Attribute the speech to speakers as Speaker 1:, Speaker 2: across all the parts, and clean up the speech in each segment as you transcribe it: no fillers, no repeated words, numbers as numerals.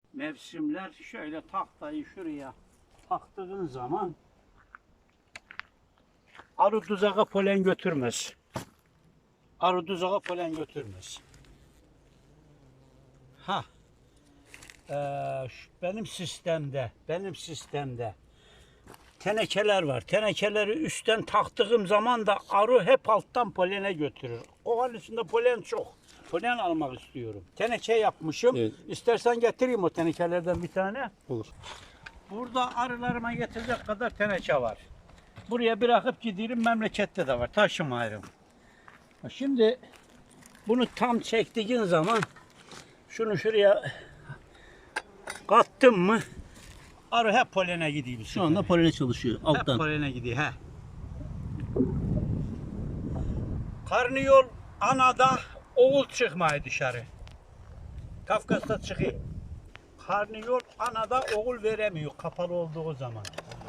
Speaker 1: mevsimler şöyle tahtayı şuraya taktığın zaman arı tuzağa polen götürmez. Arı tuzağa polen götürmez. Ha. Benim sistemde tenekeler var. Tenekeleri üstten taktığım zaman da arı hep alttan polene götürür. Kovanın içinde polen çok. Polen almak istiyorum. Teneke yapmışım.
Speaker 2: Evet.
Speaker 1: İstersen getireyim o tenekelerden bir tane.
Speaker 2: Olur.
Speaker 1: Burada arılarıma yetecek kadar teneke var. Buraya bırakıp gidiyorum, memlekette de var. Taşımayırım. Şimdi bunu tam çektiğin zaman şunu şuraya kattım mı arı hep polene gidiyor.
Speaker 2: Şu anda polene çalışıyor
Speaker 1: hep
Speaker 2: alttan.
Speaker 1: polene gidiyor. He. Karnıyol anada oğul çıkmaya dışarı. Kafkas'ta çıkıyor. Karnıyol anada oğul veremiyor kapalı olduğu zaman.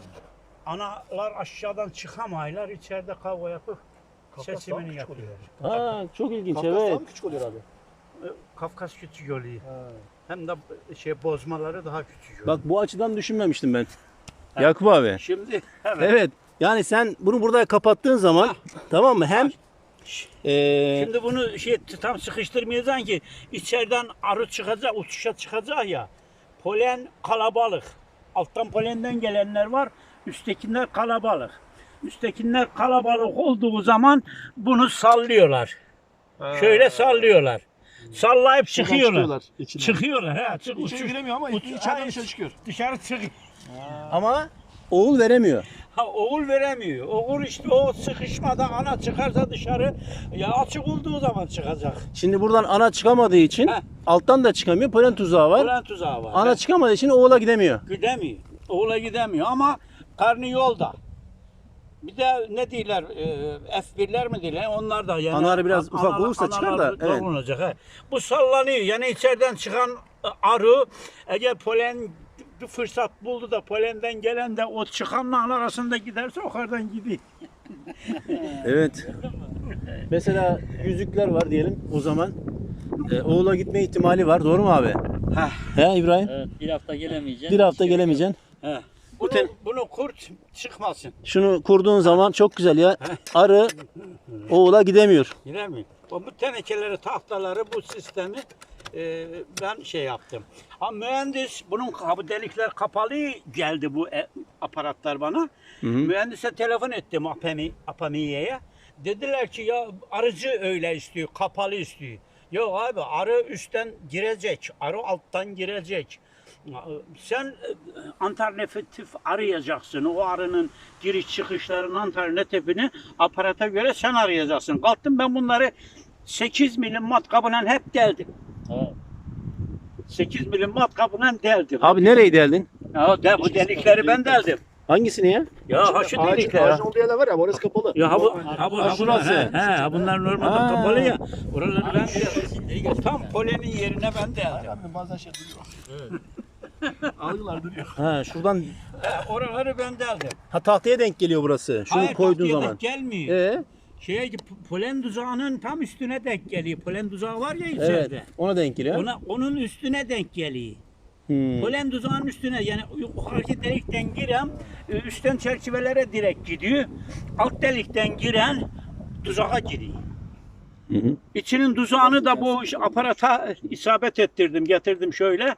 Speaker 1: Analar aşağıdan çıkamaylar, içeride kavga yapıp seçimini yapıyorlar.
Speaker 2: Ha, çok ilginç.
Speaker 3: Kafkas
Speaker 2: Evet.
Speaker 3: daha mı küçük oluyor abi?
Speaker 1: Kafkas küçük oluyor. Hem de bozmaları daha küçük oluyor.
Speaker 2: Bak bu açıdan düşünmemiştim ben. Yakup abi.
Speaker 1: Şimdi evet.
Speaker 2: Evet. Yani sen bunu burada kapattığın zaman tamam mı? Hem
Speaker 1: Şimdi bunu tam sıkıştırmayacaksın ki içeriden arı çıkacak, uçuşa çıkacak ya. Polen kalabalık. Alttan polenden gelenler var. Üsttekiler kalabalık. Üsttekiler kalabalık olduğu zaman bunu sallıyorlar. Şöyle sallıyorlar. Sallayıp çıkıyorlar.
Speaker 3: içine.
Speaker 1: Çıkıyorlar. He,
Speaker 3: İçeri giremiyor ama içeriden dışarı çıkıyor.
Speaker 1: Dışarı çıkıyor.
Speaker 2: ama oğul veremiyor.
Speaker 1: Ha, oğul veremiyor. Oğul işte o sıkışmada ana çıkarsa dışarı ya açık olduğu zaman çıkacak.
Speaker 2: Şimdi buradan ana çıkamadığı için
Speaker 1: Heh.
Speaker 2: alttan da çıkamıyor. Polen tuzağı var.
Speaker 1: Polen tuzağı var.
Speaker 2: Ana çıkamadığı için oğula gidemiyor.
Speaker 1: Gidemiyor. Oğula gidemiyor ama karnı yolda. Bir de ne diyorlar? F1'ler mi diyorlar? Onlar da yani.
Speaker 2: Anaları biraz ufak olursa çıkar da, evet.
Speaker 1: Olacak, he. Bu sallanıyor. Yani içeriden çıkan arı eğer polen bir fırsat buldu da polenden gelen de o çıkanla ana arasında giderse yukarıdan gidiyor.
Speaker 2: Evet. Mesela yüzükler var diyelim o zaman. Oğula gitme ihtimali var. Doğru mu abi?
Speaker 1: Heh.
Speaker 2: He İbrahim?
Speaker 4: Evet, bir hafta gelemeyeceksin.
Speaker 2: Bir hafta gelemeyeceksin.
Speaker 1: He.
Speaker 2: Bu ten-
Speaker 1: Bunu kurt çıkmasın.
Speaker 2: Şunu kurduğun zaman çok güzel ya. Arı oğula gidemiyor.
Speaker 1: Giremiyor. Bu tenekeleri, tahtaları, bu sistemi ben yaptım. Ha mühendis, bu delikler kapalı geldi bu aparatlar bana. Mühendise telefon ettim Apamiye'ye. Dediler ki ya arıcı öyle istiyor, kapalı istiyor. Yok abi arı üstten girecek, arı alttan girecek. Sen alternatif arayacaksın. O arının giriş çıkışlarının alternatifini aparata göre sen arayacaksın. Kalktım ben bunları 8 milim matkabıyla hep deldim.
Speaker 4: Evet.
Speaker 1: 8 milim matkabıyla deldim.
Speaker 2: Abi nereye deldin?
Speaker 1: Ya bu delikleri ben deldim.
Speaker 2: Hangisini ya?
Speaker 1: Ya ha şu delikler.
Speaker 3: Ağacın olduğu yerler var ya orası kapalı.
Speaker 1: Ya
Speaker 2: şurası.
Speaker 1: Bunlar normalde kapalı ya. Oraları ben deldim. Tam polenin yerine ben deldim.
Speaker 3: Abi bazen şey duruyor. Algılar duruyor.
Speaker 2: Ha şuradan
Speaker 1: Oraları ben deldim.
Speaker 2: tahtaya denk geliyor burası. Şunu
Speaker 1: Hayır,
Speaker 2: koyduğun
Speaker 1: tahtaya
Speaker 2: zaman.
Speaker 1: denk gelmiyor.
Speaker 2: Ee,
Speaker 1: Polen tuzağının tam üstüne denk geliyor. Polen tuzağı var ya
Speaker 2: evet.
Speaker 1: içeride.
Speaker 2: Ona denk geliyor.
Speaker 1: Onun üstüne denk geliyor.
Speaker 2: Hmm.
Speaker 1: Polen tuzağının üstüne yani yukarıki delikten giren üstten çerçevelere direkt gidiyor. Alt delikten giren tuzağa giriyor.
Speaker 2: Hı hı.
Speaker 1: İçinin tuzağını da bu aparata isabet ettirdim, getirdim şöyle.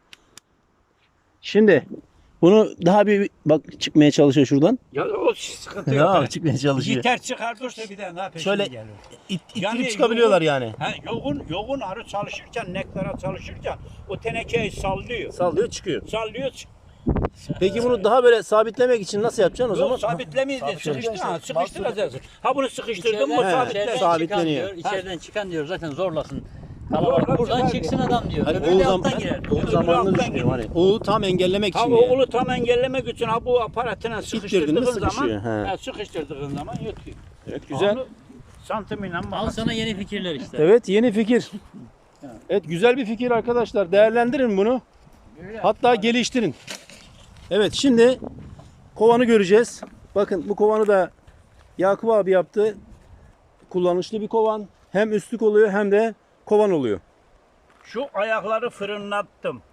Speaker 2: Şimdi bunu daha bir bak çıkmaya çalışıyor şuradan.
Speaker 1: Ya o sıkıntı yok.
Speaker 2: Ya çıkmaya çalışıyor.
Speaker 1: Yeter çıkartırsa bir de ne yapayım?
Speaker 2: Şöyle
Speaker 1: geliyor.
Speaker 2: ittirip
Speaker 1: Yani
Speaker 2: çıkabiliyorlar yani.
Speaker 1: Yoğun arı çalışırken, nektara çalışırken o tenekeyi sallıyor.
Speaker 2: Sallıyor çıkıyor.
Speaker 1: Sallıyor.
Speaker 2: Peki bunu daha böyle sabitlemek için nasıl yapacaksın o zaman?
Speaker 1: Yok sabitlemeyiz de sıkıştıracaksın. Ha bunu sıkıştırdın mı
Speaker 4: İçeriden,
Speaker 1: sabitler.
Speaker 2: sabitleniyor.
Speaker 4: çıkan diyor, içeriden çıkan diyor zaten zorlasın.
Speaker 1: Zorla
Speaker 4: Kalabalık buradan
Speaker 1: çıkar
Speaker 4: çıksın adam diyor.
Speaker 2: Hani
Speaker 4: Öbürü de alttan girer.
Speaker 2: oğul zamanını
Speaker 1: alttan
Speaker 2: düşünüyorum hani. Oğlu tam engellemek
Speaker 1: Ha
Speaker 2: için yani.
Speaker 1: oğlu tam engellemek için ha bu aparatına sıkıştırdığın zaman
Speaker 2: sıkışıyor, he.
Speaker 1: sıkıştırdığın zaman yatıyor.
Speaker 2: Evet, güzel.
Speaker 1: Onu santimine
Speaker 4: Al sana yeni fikirler işte.
Speaker 2: Evet yeni fikir. Evet güzel bir fikir arkadaşlar. Değerlendirin bunu. Hatta geliştirin. Evet şimdi kovanı göreceğiz. Bakın bu kovanı da Yakup abi yaptı. Kullanışlı bir kovan. Hem üstlük oluyor hem de kovan oluyor.
Speaker 1: Şu ayakları fırınlattım.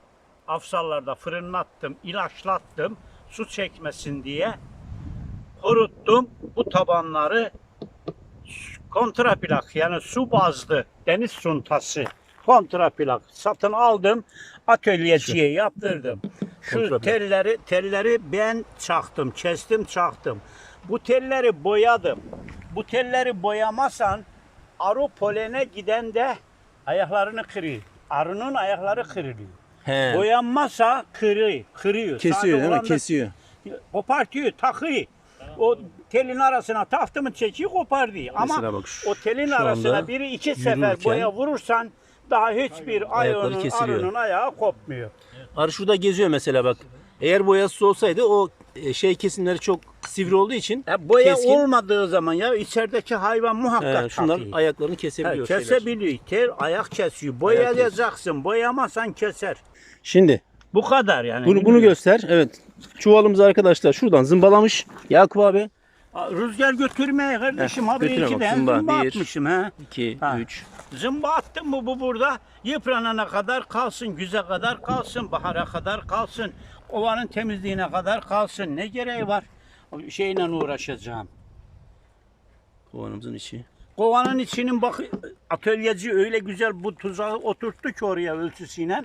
Speaker 1: afsallarda fırınlattım, ilaçlattım su çekmesin diye kuruttum. Bu tabanları kontraplak yani su bazlı deniz suntası kontraplak satın aldım. Atölyeciye yaptırdım. Şu
Speaker 2: Kontraplak.
Speaker 1: telleri ben çaktım, kestim, çaktım. Bu telleri boyadım. Bu telleri boyamasan arı polene giden de ayaklarını kırıyor. Arının ayakları kırılıyor.
Speaker 2: He.
Speaker 1: Boyanmazsa kırıyor.
Speaker 2: Kesiyor
Speaker 1: Sade
Speaker 2: değil mi?
Speaker 1: olan da
Speaker 2: Kesiyor.
Speaker 1: kopartıyor, takıyor. O telin arasına taktı mı çekiyor kopar diyor. Ama
Speaker 2: Mesela bak
Speaker 1: o telin
Speaker 2: şu anda
Speaker 1: arasına biri iki sefer
Speaker 2: yürürken
Speaker 1: boya vurursan daha hiçbir
Speaker 2: ayakları kesiliyor.
Speaker 1: arının ayağı kopmuyor.
Speaker 2: Arı şurada geziyor mesela bak. Eğer boyasız olsaydı o şey kesimleri çok sivri olduğu için
Speaker 1: Boya
Speaker 2: keskin.
Speaker 1: olmadığı zaman ya içerideki hayvan muhakkak
Speaker 2: Şunlar
Speaker 1: takıyor.
Speaker 2: ayaklarını kesebiliyor. şeyler.
Speaker 1: Kesebiliyor. Tel ayak kesiyor. Boyayacaksın. Boyamazsan keser.
Speaker 2: Şimdi
Speaker 1: Bu kadar yani.
Speaker 2: bunu göster. Evet. Çuvalımızı arkadaşlar şuradan zımbalamış. Yakup abi.
Speaker 1: Rüzgar götürmeye kardeşim. Haberi
Speaker 2: götüre bak,
Speaker 1: 2'den
Speaker 2: zımba.
Speaker 1: zımba
Speaker 2: Bir,
Speaker 1: atmışım. He.
Speaker 2: 2,
Speaker 1: Ha.
Speaker 2: 3.
Speaker 1: Zımba attım mı bu burada yıpranana kadar kalsın, güze kadar kalsın, bahara kadar kalsın, ovanın temizliğine kadar kalsın. Ne gereği var? O şeyle uğraşacağım.
Speaker 2: Kovanımızın içi.
Speaker 1: Kovanın içinin bak atölyeci öyle güzel bu tuzağı oturttu ki oraya ölçüsüyle.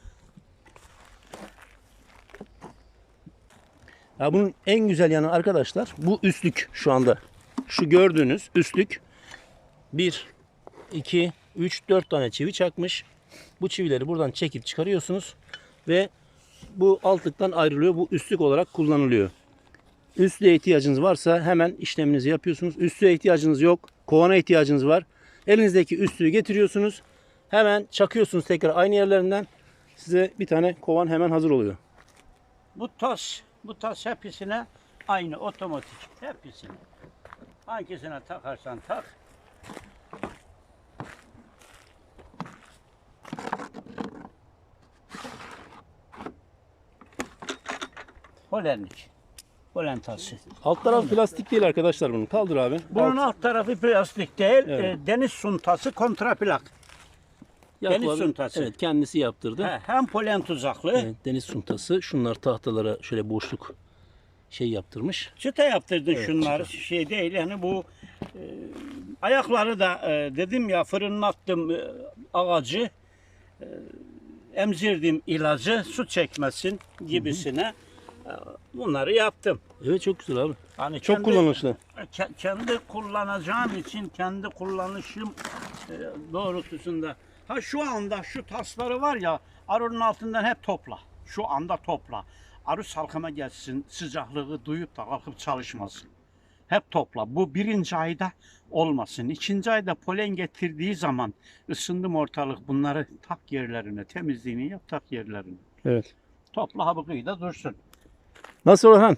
Speaker 2: Ya bunun en güzel yanı arkadaşlar bu üstlük şu anda. Şu gördüğünüz üstlük 1, 2, 3, 4 tane çivi çakmış. Bu çivileri buradan çekip çıkarıyorsunuz ve bu altlıktan ayrılıyor. Bu üstlük olarak kullanılıyor. Üstlüğe ihtiyacınız varsa hemen işleminizi yapıyorsunuz. Üstlüğe ihtiyacınız yok. Kovana ihtiyacınız var. Elinizdeki üstlüğü getiriyorsunuz. Hemen çakıyorsunuz tekrar aynı yerlerinden. Size bir tane kovan hemen hazır oluyor.
Speaker 1: Bu tas hepsine aynı otomatik. Hepsine. Hangisine takarsan tak. Polenlik. Polen tası.
Speaker 2: Alt tarafı plastik değil arkadaşlar bunun. Kaldır abi.
Speaker 1: Bunun alt tarafı plastik değil,
Speaker 2: Evet.
Speaker 1: deniz suntası kontraplak.
Speaker 2: Yakup
Speaker 1: deniz
Speaker 2: abi,
Speaker 1: suntası.
Speaker 2: Evet kendisi yaptırdı.
Speaker 1: Hem polen tuzaklı,
Speaker 2: Evet, deniz suntası. Şunlar tahtalara şöyle boşluk şey yaptırmış.
Speaker 1: çıta yaptırdın
Speaker 2: Evet,
Speaker 1: şunları. Şey değil yani bu ayakları da dedim ya fırınlattım ağacı, emzirdim ilacı su çekmesin gibisine bunları yaptım.
Speaker 2: Evet çok güzel abi.
Speaker 1: Hani
Speaker 2: Çok kullanışlı.
Speaker 1: Kendi kullanacağım için kendi kullanışım doğrultusunda. Ha şu anda şu tasları var ya arının altından hep topla. Şu anda topla. Arı salkıma gelsin sıcaklığı duyup da kalkıp çalışmasın. Hep topla. Bu birinci ayda olmasın. İkinci ayda polen getirdiği zaman ısındım ortalık bunları tak yerlerine temizliğini yap tak yerlerine.
Speaker 2: Evet.
Speaker 1: Topla habıkıyı da dursun.
Speaker 2: Nasıl Orhan?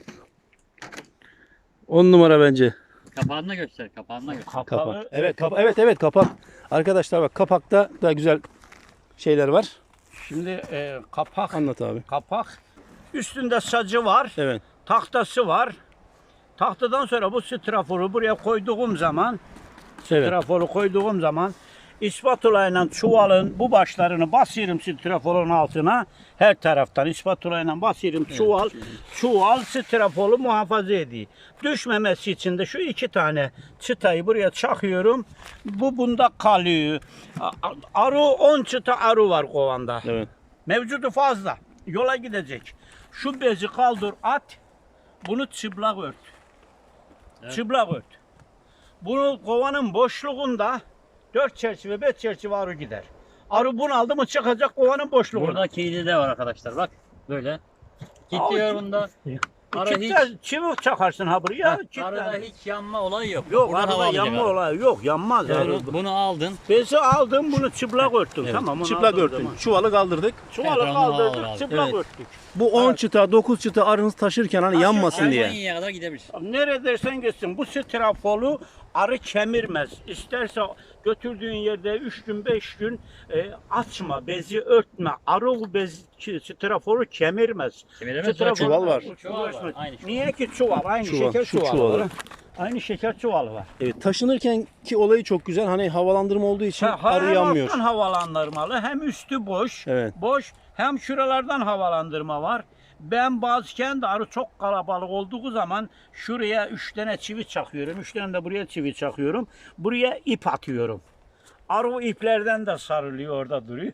Speaker 2: 10 numara bence.
Speaker 4: Kapağını da göster. Kapağını da göster.
Speaker 2: Kapak. Evet kapak. Arkadaşlar bak kapakta da güzel şeyler var.
Speaker 1: Şimdi kapak.
Speaker 2: Anlat abi.
Speaker 1: Kapak. Üstünde sacı var.
Speaker 2: Evet.
Speaker 1: Tahtası var. Tahtadan sonra bu straforu buraya koyduğum zaman
Speaker 2: Evet.
Speaker 1: straforu koyduğum zaman ispatulayla çuvalın bu başlarını basıyorum straforun altına her taraftan ispatulayla basıyorum çuval strafolu muhafaza ediyor. Düşmemesi için de şu iki tane çıtayı buraya çakıyorum. Bu bunda kalıyor. Arı 10 çıta arı var kovanda.
Speaker 2: Evet.
Speaker 1: Mevcudu fazla. Yola gidecek. Şu bezi kaldır at. Bunu çıplak ört.
Speaker 4: Evet.
Speaker 1: Çıplak ört. Bunu kovanın boşluğunda 4 çerçeve 5 çerçeve arı gider. Arı bunaldı mı çıkacak kovanın boşluğuna.
Speaker 4: Burada kilidi de var arkadaşlar. Bak böyle. Kilitliyor bunda. Arı hiç,
Speaker 1: Çivi çakarsın ha buraya.
Speaker 4: arada hiç yanma olayı yok.
Speaker 1: Yok
Speaker 4: Buradan hava
Speaker 1: arada
Speaker 4: alacak
Speaker 1: yanma
Speaker 4: arı.
Speaker 1: olayı yok. Yanmaz.
Speaker 4: Yani bunu aldın.
Speaker 1: Bezi aldım bunu çıplak örttüm.
Speaker 2: Evet.
Speaker 1: Tamam. onu
Speaker 2: Çıplak
Speaker 1: aldığım
Speaker 2: örtün.
Speaker 1: zaman.
Speaker 2: Çuvalı kaldırdık.
Speaker 1: Çuvalı
Speaker 4: Etrafını hava
Speaker 1: kaldırdık
Speaker 4: aldı.
Speaker 1: çıplak
Speaker 2: Evet.
Speaker 1: örttük.
Speaker 2: Bu 10 çıta 9 çıta arınız taşırken hani yanmasın diye.
Speaker 4: Almanya'ya kadar gidebilir.
Speaker 1: Neredersen gitsin bu strafolu arı kemirmez. İsterse götürdüğün yerde 3 gün 5 gün açma, bezi örtme. Arı o strafolu kemirmez.
Speaker 4: Kemiremez.
Speaker 1: Strafolu-
Speaker 2: Çuval var.
Speaker 4: Çuval var. Aynı çuval.
Speaker 1: Niye ki çuval? Aynı
Speaker 2: Çuval,
Speaker 1: şeker
Speaker 2: şu
Speaker 1: çuvalı
Speaker 2: çuvalı.
Speaker 1: var. Aynı şeker çuvalı var.
Speaker 2: Evet, taşınırken ki olayı çok güzel. Hani havalandırma olduğu için arı
Speaker 1: Hem
Speaker 2: yanmıyor.
Speaker 1: alttan havalandırmalı hem üstü boş.
Speaker 2: Evet.
Speaker 1: Boş Hem şuralardan havalandırma var. Ben bazıken de arı çok kalabalık olduğu zaman şuraya 3 tane çivi çakıyorum. 3 tane de buraya çivi çakıyorum. Buraya ip atıyorum. Arı o iplerden de sarılıyor, orada duruyor.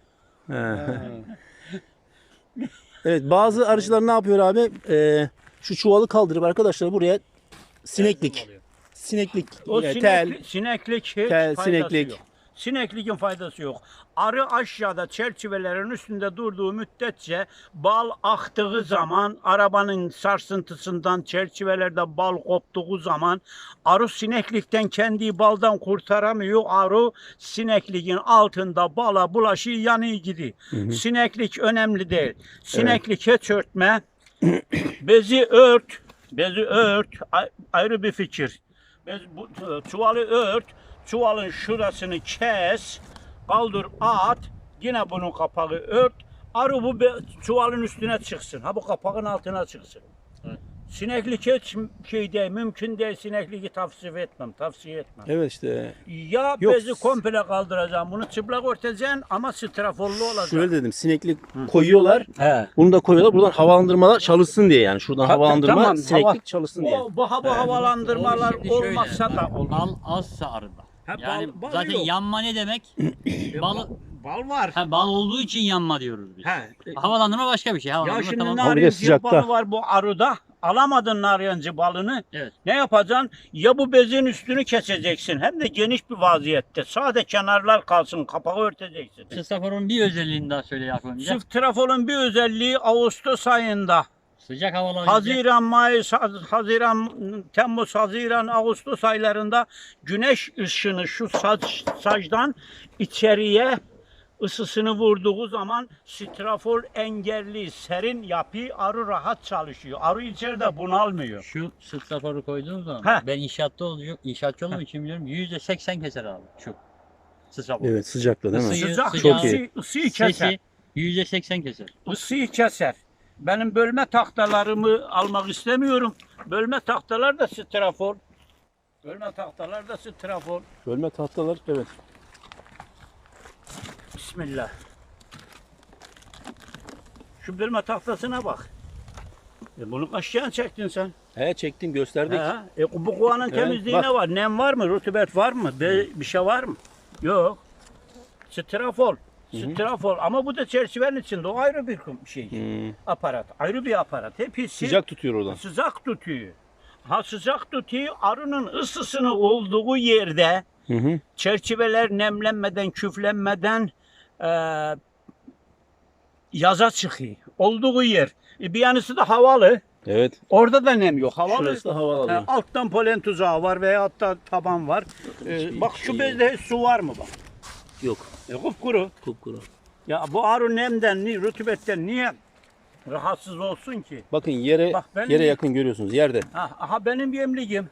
Speaker 2: Evet, bazı arıcılar ne yapıyor abi? Şu çuvalı kaldırıp arkadaşlar buraya sineklik. Sineklik,
Speaker 1: O
Speaker 2: tel.
Speaker 1: sineklik hiç
Speaker 2: tel,
Speaker 1: faydası
Speaker 2: sineklik.
Speaker 1: yok. Sinekliğin faydası yok. Arı aşağıda çerçevelerin üstünde durduğu müddetçe bal aktığı zaman, arabanın sarsıntısından çerçevelerde bal koptuğu zaman arı sineklikten kendi baldan kurtaramıyor. Arı sinekliğin altında bala bulaşıyor, yanıyor gidiyor. Sineklik önemli değil. Sineklik hiç örtme. Bezi ört. Bezi ört. Ayrı bir fikir. Bu çuvalı ört. Çuvalın şurasını kes, kaldır at, yine bunun kapağı ört, arı bu çuvalın üstüne çıksın, ha bu kapağın altına çıksın.
Speaker 4: Evet.
Speaker 1: Sineklik hiç şey değil, mümkün değil, sinekliği tavsiye etmem.
Speaker 2: Evet işte.
Speaker 1: Ya
Speaker 2: Yok.
Speaker 1: bezi komple kaldıracağım, bunu çıplak örteceksin ama straforlu olacak.
Speaker 2: Şöyle dedim, sineklik koyuyorlar.
Speaker 1: He.
Speaker 2: Bunu da koyuyorlar. Buradan havalandırmalar çalışsın diye yani. Şuradan havalandırma,
Speaker 1: tamam,
Speaker 2: sineklik çalışsın diye.
Speaker 1: Bu havalandırmalar
Speaker 4: Şimdi şöyle,
Speaker 1: olmazsa da olur.
Speaker 4: Bal azsa arıda.
Speaker 1: Ha,
Speaker 4: Yani
Speaker 1: bal
Speaker 4: zaten
Speaker 1: yok.
Speaker 4: yanma ne demek? bal,
Speaker 1: Bal var.
Speaker 4: bal olduğu için yanma diyoruz biz.
Speaker 1: He.
Speaker 4: Havalandırma başka bir şey.
Speaker 1: Ya
Speaker 4: Havalandırma
Speaker 1: şimdi
Speaker 4: tamam.
Speaker 2: Ama bir de
Speaker 1: narenciye
Speaker 2: sıcakta.
Speaker 1: balı var bu arıda. Alamadın narenciye balını.
Speaker 4: Evet.
Speaker 1: Ne yapacaksın? Ya bu bezin üstünü keseceksin. Hem de geniş bir vaziyette. Sade kenarlar kalsın. Kapağı örteceksin.
Speaker 4: Sıstaforun bir özelliğini daha söyle Yakup amca.
Speaker 1: Çift trafolun bir özelliği Ağustos ayında.
Speaker 4: Sıcak havalar.
Speaker 1: Haziran, Mayıs, Haziran, Temmuz, Haziran, Ağustos aylarında güneş ışını şu sacdan içeriye ısısını vurduğu zaman strafor engelli, serin yapı, arı rahat çalışıyor. Arı içeride bunalmıyor.
Speaker 4: Şu sıstaforu koyduğum zaman
Speaker 1: Heh.
Speaker 4: ben inşaatçı olduğum için biliyorum %80 keser abi şu sıstafor.
Speaker 2: Evet, sıcakta değil mi?
Speaker 4: Isıyı-
Speaker 1: Sıcak,
Speaker 4: sıcağı-
Speaker 2: Çok iyi.
Speaker 1: ısıyı keser.
Speaker 4: Sesi %80 keser.
Speaker 1: Isıyı keser. Benim bölme tahtalarımı almak istemiyorum. Bölme tahtalar da strafor. Bölme tahtalar da strafor.
Speaker 2: Bölme tahtalar, evet.
Speaker 1: Bismillah. Şu bölme tahtasına bak. Bunu kaç yıl çektin sen?
Speaker 2: He, çektim, gösterdik.
Speaker 1: Bu kovanın
Speaker 2: Evet,
Speaker 1: temizliği
Speaker 2: bak.
Speaker 1: ne var? Nem var mı? Rutubet var mı? Bir şey var mı? Yok. Strafor. Strafor. Ama bu da çerçevenin içinde. O ayrı bir şey. Aparat. Ayrı bir aparat. Hepsi
Speaker 2: Sıcak tutuyor oradan.
Speaker 1: sıcak tutuyor. Ha sıcak tutuyor. Arının ısısını olduğu yerde
Speaker 2: Hı hı.
Speaker 1: çerçeveler nemlenmeden, küflenmeden yaza çıkıyor. Olduğu yer. Bir yanısı da havalı.
Speaker 2: Evet.
Speaker 1: Orada da nem yok. Havalı.
Speaker 2: Şurası da havalı alıyor.
Speaker 1: Alttan polen tuzağı var veya hatta taban var. Bak şu bezde su var mı bak?
Speaker 2: Yok.
Speaker 1: Kupkuru.
Speaker 2: Kupkuru.
Speaker 1: Ya bu arı nemden, rutubetten niye rahatsız olsun ki?
Speaker 2: Bakın yere
Speaker 1: Bak benim
Speaker 2: yere
Speaker 1: bir-
Speaker 2: yakın görüyorsunuz. Yerde.
Speaker 1: Aha benim yemliğim.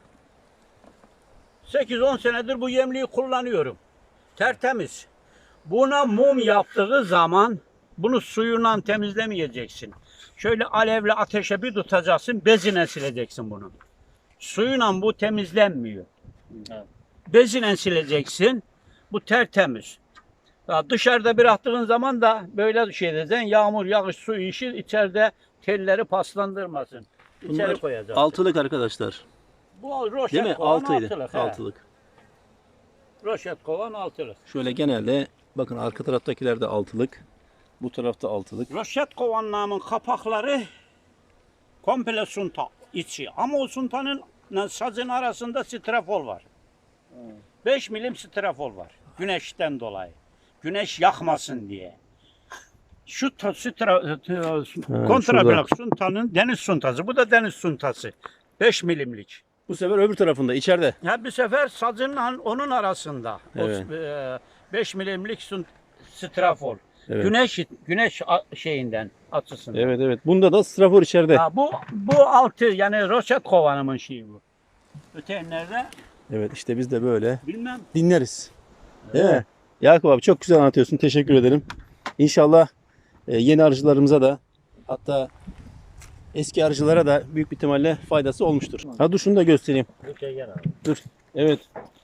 Speaker 1: 8-10 senedir bu yemliği kullanıyorum. Tertemiz. Buna mum yaptığı zaman bunu suyundan temizlemeyeceksin. Şöyle alevle ateşe bir tutacaksın, bezine sileceksin bunu. Suyundan bu temizlenmiyor.
Speaker 4: Evet.
Speaker 1: Bezine sileceksin. Bu tertemiz. Ya dışarıda bıraktığın zaman da böyle şey edeceksin. Yağmur, yağış, su işi içeride telleri paslandırmasın. İçeri
Speaker 2: Bunlar
Speaker 1: koyacaksın.
Speaker 2: altılık arkadaşlar.
Speaker 1: Bu roşet
Speaker 2: Değil mi?
Speaker 1: kovan
Speaker 2: Altıydı.
Speaker 1: altılık. he.
Speaker 2: Altılık.
Speaker 1: Roşet kovan altılık.
Speaker 2: Şöyle genelde bakın arka taraftakiler de altılık. Bu tarafta altılık.
Speaker 1: Roşet kovanlarının kapakları komple sunta içi. Ama o suntanın sazın arasında strafor var. 5 milim strafor var. Güneşten dolayı. Güneş yakmasın diye. Şu kontrablok suntanın deniz suntası. Bu da deniz suntası. 5 milimlik.
Speaker 2: Bu sefer öbür tarafında içeride.
Speaker 1: Ya bir sefer sazınla onun arasında.
Speaker 2: Evet.
Speaker 1: 5 milimlik strafor.
Speaker 2: Evet.
Speaker 1: Güneş şeyinden açısından.
Speaker 2: Evet evet. Bunda da strafor içeride.
Speaker 1: Ha, bu altı yani roşet kovanımın şeyi bu. Öteyenlerde
Speaker 2: Evet işte biz de böyle
Speaker 1: bilmem.
Speaker 2: dinleriz. Değil mi? Yakup abi çok güzel anlatıyorsun. Teşekkür ederim. İnşallah yeni arıcılarımıza da hatta eski arıcılara da büyük bir ihtimalle faydası olmuştur. Ha dur şunu da göstereyim. Dur. Evet.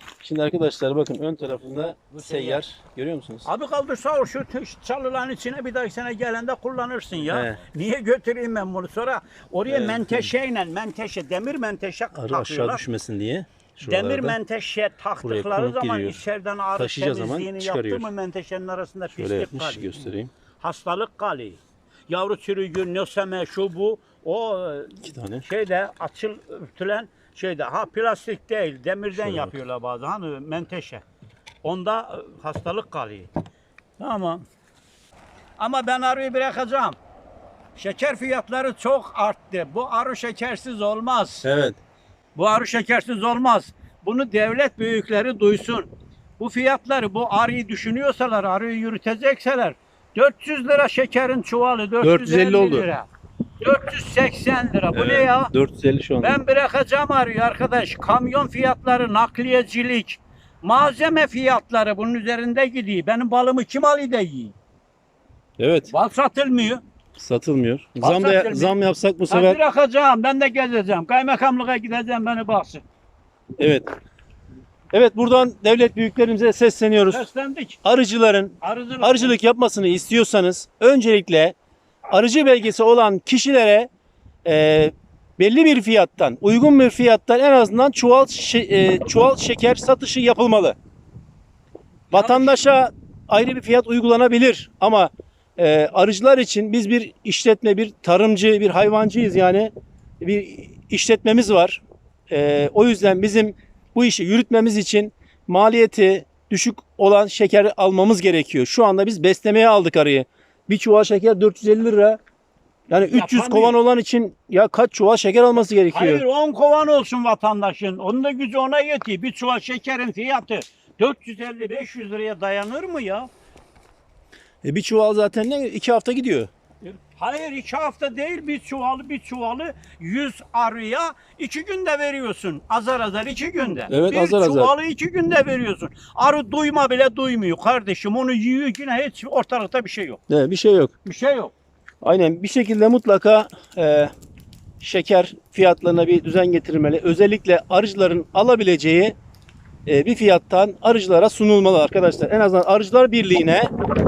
Speaker 2: Şimdi arkadaşlar bakın ön tarafında seyyar. Görüyor musunuz?
Speaker 1: Abi kaldırsa şu çalıların içine bir dahaki sene gelende kullanırsın ya.
Speaker 2: He.
Speaker 1: Niye götüreyim ben bunu? Sonra oraya
Speaker 2: Evet.
Speaker 1: menteşe, demir menteşe
Speaker 2: Arı aşağı
Speaker 1: takıyorlar.
Speaker 2: düşmesin diye.
Speaker 1: Demir
Speaker 2: Şuralarda
Speaker 1: menteşe taktıkları
Speaker 2: konup
Speaker 1: zaman
Speaker 2: giriyor.
Speaker 1: içeriden arı
Speaker 2: Taşıyacağı zaman
Speaker 1: temizliğini yaptı
Speaker 2: çıkarıyor.
Speaker 1: mı menteşenin arasında
Speaker 2: şöyle
Speaker 1: pislik
Speaker 2: yapmış
Speaker 1: kalıyor.
Speaker 2: göstereyim.
Speaker 1: Hastalık kalıyor. Yavru çürüğü, nöseme, şu bu. O
Speaker 2: 2 tane.
Speaker 1: şeyde örtülen şeyde. Ha plastik değil, demirden
Speaker 2: Şöyle bak.
Speaker 1: yapıyorlar bazen. Hani menteşe. Onda hastalık kalıyor. Tamam. Ama ben arıyı bırakacağım. Şeker fiyatları çok arttı. Bu arı şekersiz olmaz.
Speaker 2: Evet.
Speaker 1: Bu arı şekersiz olmaz. Bunu devlet büyükleri duysun. Bu fiyatları, bu arıyı düşünüyorsalar, arıyı yürütecekseler 400 lira şekerin çuvalı,
Speaker 2: 450 oldu.
Speaker 1: lira. 480 lira. Bu ne ya?
Speaker 2: 450 şu anda.
Speaker 1: Ben bırakacağım arıyı arkadaş. Kamyon fiyatları, nakliyecilik, malzeme fiyatları bunun üzerinde gidiyor. Benim balımı kim alıyor da yiyor?
Speaker 2: Evet.
Speaker 1: Bal satılmıyor.
Speaker 2: Satılmıyor.
Speaker 1: Satılmıyor.
Speaker 2: Zam yapsak bu
Speaker 1: Ben
Speaker 2: sefer.
Speaker 1: bırakacağım. Ben de gezeceğim. Kaymakamlığa gideceğim, beni baksın.
Speaker 2: Evet. Evet, buradan devlet büyüklerimize sesleniyoruz.
Speaker 1: Seslendik.
Speaker 2: Arıcıların arıcılık yapmasını istiyorsanız öncelikle arıcı belgesi olan kişilere belli bir fiyattan, uygun bir fiyattan en azından çuval şeker satışı yapılmalı. Vatandaşa ayrı bir fiyat uygulanabilir ama arıcılar için biz bir işletme, bir tarımcı, bir hayvancıyız yani bir işletmemiz var. O yüzden bizim bu işi yürütmemiz için maliyeti düşük olan şeker almamız gerekiyor. Şu anda biz beslemeye aldık arıyı. Bir çuval şeker 450 lira. Yani 300
Speaker 1: Yapamıyor.
Speaker 2: kovan olan için ya kaç çuval şeker alması gerekiyor?
Speaker 1: Hayır 10 kovan olsun vatandaşın. Onun da gücü ona yetiyor. Bir çuval şekerin fiyatı 450-500 liraya dayanır mı ya?
Speaker 2: Bir çuval zaten ne? 2 hafta gidiyor.
Speaker 1: Hayır 2 hafta değil, bir çuvalı 100 arıya 2 günde veriyorsun. Azar azar 2 günde.
Speaker 2: Evet,
Speaker 1: bir
Speaker 2: azar azar.
Speaker 1: çuvalı 2 günde veriyorsun. Arı duyma bile duymuyor kardeşim. Onu yiyor yine hiç ortalıkta bir şey yok.
Speaker 2: Bir şey yok.
Speaker 1: Bir şey yok.
Speaker 2: Aynen, bir şekilde mutlaka şeker fiyatlarına bir düzen getirilmeli. Özellikle arıcıların alabileceği bir fiyattan arıcılara sunulmalı arkadaşlar. En azından Arıcılar Birliği'ne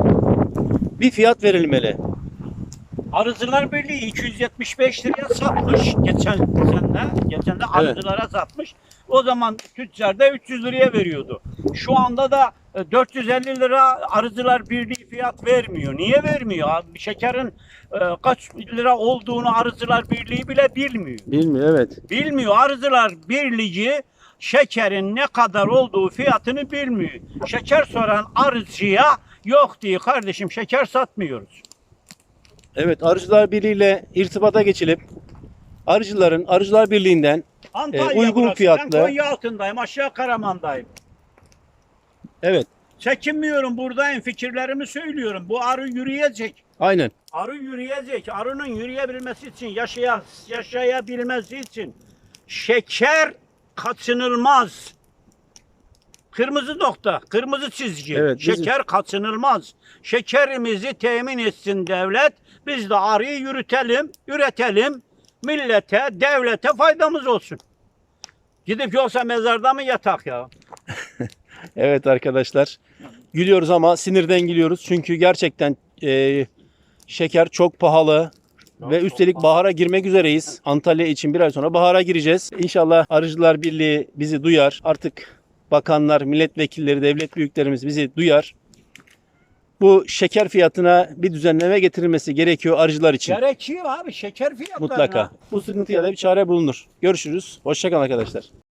Speaker 2: bir fiyat verilmeli.
Speaker 1: Arıcılar Birliği 275 liraya satmış geçen de arıcılara satmış. O zaman tüccar da 300 liraya veriyordu. Şu anda da 450 lira Arıcılar Birliği fiyat vermiyor. Niye vermiyor? Abi, şekerin kaç lira olduğunu Arıcılar Birliği bile bilmiyor.
Speaker 2: Bilmiyor, evet.
Speaker 1: Bilmiyor. Arıcılar Birliği şekerin ne kadar olduğu fiyatını bilmiyor. Şeker soran arıcıya yok diyor kardeşim, şeker satmıyoruz.
Speaker 2: Evet, Arıcılar Birliği ile irtibata geçilip arıcıların Arıcılar Birliği'nden
Speaker 1: Antalya
Speaker 2: uygun
Speaker 1: burası.
Speaker 2: fiyatlı.
Speaker 1: Ben Konya altındayım, aşağı Karaman'dayım.
Speaker 2: Evet,
Speaker 1: Çekinmiyorum, buradayım, fikirlerimi söylüyorum. Bu arı yürüyecek.
Speaker 2: aynen.
Speaker 1: Arı yürüyecek. Arının yürüyebilmesi için, yaşayabilmesi için şeker kaçınılmaz. Kırmızı nokta, kırmızı çizgi.
Speaker 2: Evet, bizim-
Speaker 1: Şeker kaçınılmaz. Şekerimizi temin etsin devlet. Biz de arıyı üretelim. Millete, devlete faydamız olsun. Gidip yoksa mezarda mı yatak ya?
Speaker 2: Evet arkadaşlar. Gülüyoruz ama sinirden gülüyoruz. Çünkü gerçekten şeker çok pahalı. Ve üstelik bahara girmek üzereyiz. Antalya için bir ay sonra bahara gireceğiz. İnşallah Arıcılar Birliği bizi duyar. Artık bakanlar, milletvekilleri, devlet büyüklerimiz bizi duyar. Bu şeker fiyatına bir düzenleme getirilmesi gerekiyor arıcılar için.
Speaker 1: Gerekiyor abi şeker fiyatlarına.
Speaker 2: Mutlaka. Bu sıkıntıya da bir çare bulunur. Görüşürüz. Hoşça kalın arkadaşlar.